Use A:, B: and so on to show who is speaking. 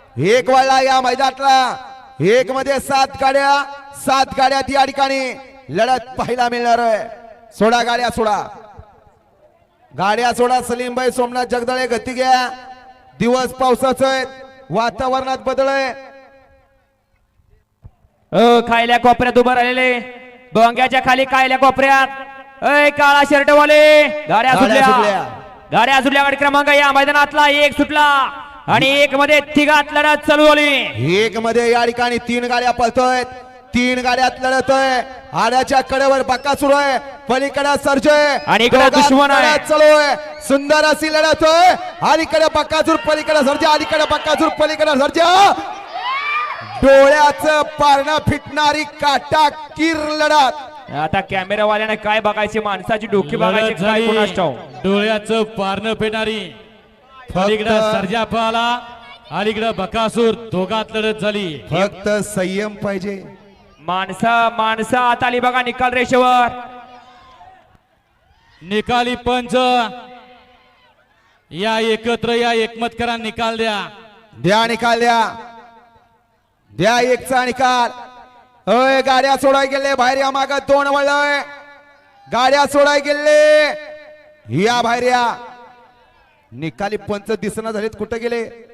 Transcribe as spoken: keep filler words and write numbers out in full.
A: एक वळला या मैदानातला एक मध्ये सात गाड्या सात गाड्या या ठिकाणी लढत पाहायला मिळणार आहे। सोडा गाड्या सोडा गाड्या सोडा सलीम भाई सोमनाथ जगदळे गती घ्या। दिवस पावसाचं आहे वातावरणात बदल आहे।
B: अ खायल्या कोपऱ्यात उभं राहिलेले डोंग्याच्या खाली खायल्या कोपऱ्यात अय काळा शर्ट वाले गाड्या सुटल्या गाड्या सुटल्या गाडी क्रमांक या मैदानातला एक सुटला आणि एक मध्ये तिघात लढत चालू झाली।
A: एक मध्ये या ठिकाणी तीन गाड्या पळतोय तीन गाड्यात लढत आहे। आड्याच्या कडेवर बक्कासूर आहे पलीकडे सर्जय
B: आणि इकडे दुश्मन आहे
A: चालू आहे। सुंदर अशी लढत आहे अलीकडे बक्कासूर पलीकडे सर्जा अलीकडे बक्कासूर पलीकडे सर्जा डोळ्याचं पारणं फिटणारी काटा किर लढत।
B: आता कॅमेरावाल्याने काय बघायची माणसाची डोकी बघायची काय कोणास ठाऊक।
C: डोळ्याचं पारणं फेडणारी पलीकडे सर्जा पळाला अलीकडे बकासूर दोघात लढत झाली।
A: फक्त संयम पाहिजे
B: माणसा माणसं आता आली बघा निकाल रेषेवर।
C: निकाली पंच या एकत्र या एकमतकरांना निकाल द्या
A: द्या निकाल द्या द्या एकचा निकाल। अय गाड्या सोडाय गेले बाहेर या माग दोन वळय गाड्या सोडाय गेले या बाहेर या निकाली पंच दिसना झालेत कुठे गेले।